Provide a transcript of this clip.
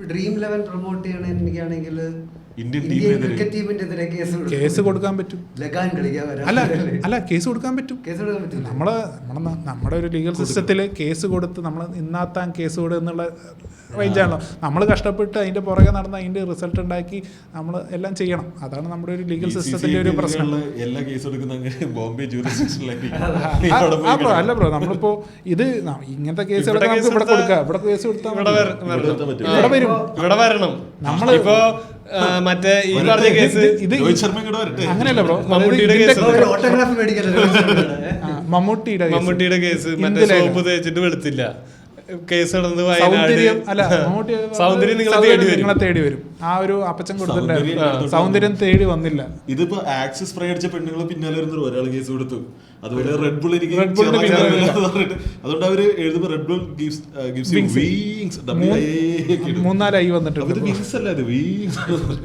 Dream 11 promote ചെയ്യണ എനിക്കാണെങ്കിൽ Indian cricket ടീമിന്റെ കേസ് കൊടുക്കാൻ പറ്റും. അല്ല കേസ് കൊടുക്കാൻ പറ്റും. നമ്മുടെ ഒരു ലീഗൽ സിസ്റ്റത്തിൽ കേസ് കൊടുത്ത് നമ്മൾ ഇന്നാത്താൻ കേസ് കൊടുക്കുക എന്നുള്ള റേഞ്ചാണല്ലോ. നമ്മൾ കഷ്ടപ്പെട്ട് അതിന്റെ പുറകെ നടന്ന് അതിന്റെ റിസൾട്ട് ഉണ്ടാക്കി നമ്മൾ എല്ലാം ചെയ്യണം. അതാണ് നമ്മുടെ ഒരു ലീഗൽ സിസ്റ്റത്തിന്റെ ഒരു പ്രശ്നം. എല്ലാ കേസും ബോംബെ അല്ല ബ്രോ, നമ്മളിപ്പോ ഇത് ഇങ്ങനത്തെ കേസുകളൊക്കെ നമുക്ക് ഇവിടെ കൊടുക്കാം. ഇവിടെ കേസ് കൊടുത്താൽ ഇവിടെ വരും. നമ്മളിപ്പോ മറ്റേ ഈ പറഞ്ഞ കേസ് ഇത് അങ്ങനെയല്ല ബ്രോ, മമ്മൂട്ടിയുടെ കേസ് മറ്റേ സോപ്പ് തേച്ചിട്ട് വെളുത്തില്ല കേസ് നടന്നത് വയനാട്. സൗന്ദര്യം നിങ്ങളെ തേടി വരും. ആ ഒരു അപ്പച്ചൻ കൊടുത്തിട്ടുണ്ടായിരുന്നു, സൗന്ദര്യം തേടി വന്നില്ല. ഇതിപ്പോ ആക്സിസ് സ്പ്രേ അടിച്ച പെണ്ണുങ്ങൾ പിന്നാലെ വരുന്ന ഒരാൾ കേസ് കൊടുത്തു. അതുപോലെ റെഡ് ബുൾ എനിക്ക് അതുകൊണ്ട് അവര് എഴുതുമ്പോ റെഡ് ബുൾ ഗിവ്സ് 3-4 വന്നിട്ടുണ്ട്. വിങ്സ് അല്ല, അത് വിങ്സ്